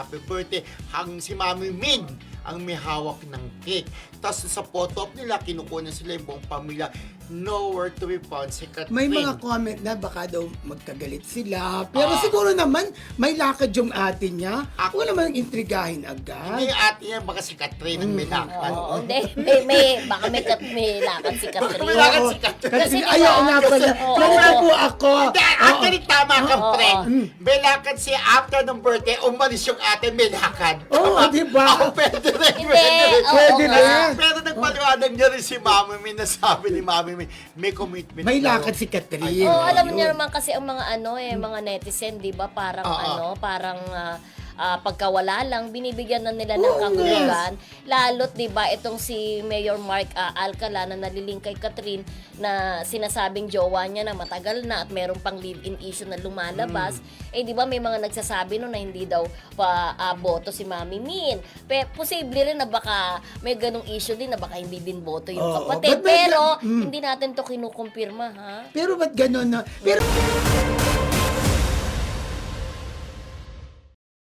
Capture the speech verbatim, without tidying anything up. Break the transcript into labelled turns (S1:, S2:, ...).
S1: happy birthday. Hang si Mami Min ang may hawak ng cake. Tapos sa photo op nila, kinukuha sila yung buong pamilya. Nowhere to be found si Catherine.
S2: May mga comment na baka daw magkagalit sila. Pero
S1: Ah.
S2: siguro naman, may lakad yung ate niya.
S1: Ako-
S2: Huwag naman intrigahin agad.
S1: Hindi yung ate niya, baka si Catherine ang may lakad.
S3: Oo, hindi. May, may, baka may, kat, may lakad si
S1: Baka may
S3: Catherine.
S1: lakad
S2: Oo.
S1: si Catherine.
S2: Kasi
S3: Kasi diba,
S2: ayaw nga pala.
S3: Oo.
S2: Ganito po ako.
S1: Hindi, actually tama ka,
S3: Oo.
S1: Fred.
S2: Mm.
S1: May lakad siya after ng birthday, umalis yung ate, may lakad.
S2: Oo,
S1: Tama?
S2: di ba?
S1: Oo, pwede rin,
S3: Hindi,
S1: pwede rin.
S3: oo
S2: Pwede
S3: nga.
S2: rin.
S1: Pero nagpaliwanag niya rin si Mami Min, na sabi ni Mami Min, may commitment.
S2: May
S1: daw.
S2: lakad si Catherine.
S1: Ayun.
S3: Oo, alam
S2: Ayun.
S3: niyo naman kasi ang mga ano eh, mga netizen, 'di ba? Parang
S1: Oo.
S3: ano, parang ah, ah, pagkawala lang binibigyan na nila ng
S2: Oo,
S3: kahulugan. Lalo't 'di ba itong si Mayor Mark ah, Alcala na naliling kay Catherine na sinasabing jowa niya na matagal na at meron pang live-in issue na lumalabas. Eh 'di ba may mga nagsasabi no na hindi daw pa ah, boto si Mami Min. Pe, posible rin na baka may ganung issue din na baka hindi din boto yung
S2: Oo,
S3: kapatid.
S2: but may-
S3: Pero
S2: Mm.
S3: hindi natin to kinukumpirma ha.
S2: Pero ba't gano'n na? Pero